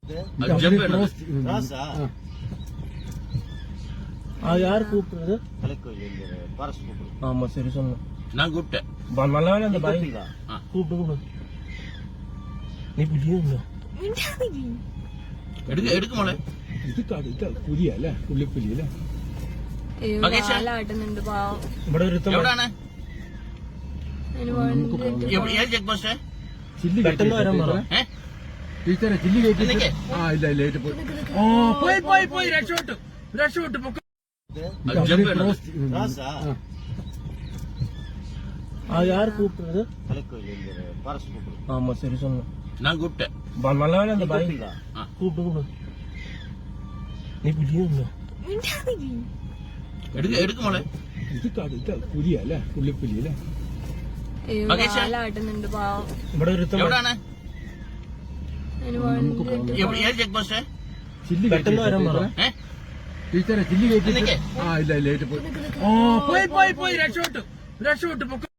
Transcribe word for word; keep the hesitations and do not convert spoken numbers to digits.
யாரு கூப்பிடுறது? ஆமா சரி சொன்ன நான் கூப்பிட்டேன். நல்லா வேலை அந்த பாய் கூப்பிட்டு நீ புரியுங்க എടുക്ക എടുക്ക മോളെ. ഇത് കടുത്ത പുലിയല്ലേ, പുള്ളിപ്പുലിയല്ലേ? ഇവിടെ ഒരു എവിടാണ് ചെക്ക് പോസ്റ്റ്? പെട്ടെന്ന് വരാൻ പറ ടീച്ചറെ. ചില്ലി കയറ്റി. ആ ഇല്ല ഇല്ല പോയി പോയി പോയി പോയി രക്ഷപ്പെട്ടു രക്ഷപ്പെട്ടു. யாரு கூப்பிடுறது? ஆமா சரி சொன்ன நான் கூப்பிட்டேன். நல்லா வேலை அந்த பாய் கூப்பிட்டு நீ புரியுங்க എടുക്ക എടുക്ക മോളെ. ഇത് കടുത്ത പുലിയല്ലേ, പുള്ളിപ്പുലിയല്ലേ? ഇവിടെ ഒരു എവിടാണ് ചെക്ക് പോസ്റ്റ്? ചില്ലി പെട്ടെന്ന് വരാൻ പറ ടീച്ചറെ. ചില്ലി കയറ്റി. ആ ഇല്ല ഇല്ല പോയി പോയി പോയി രക്ഷപ്പെട്ടു രക്ഷപ്പെട്ടു.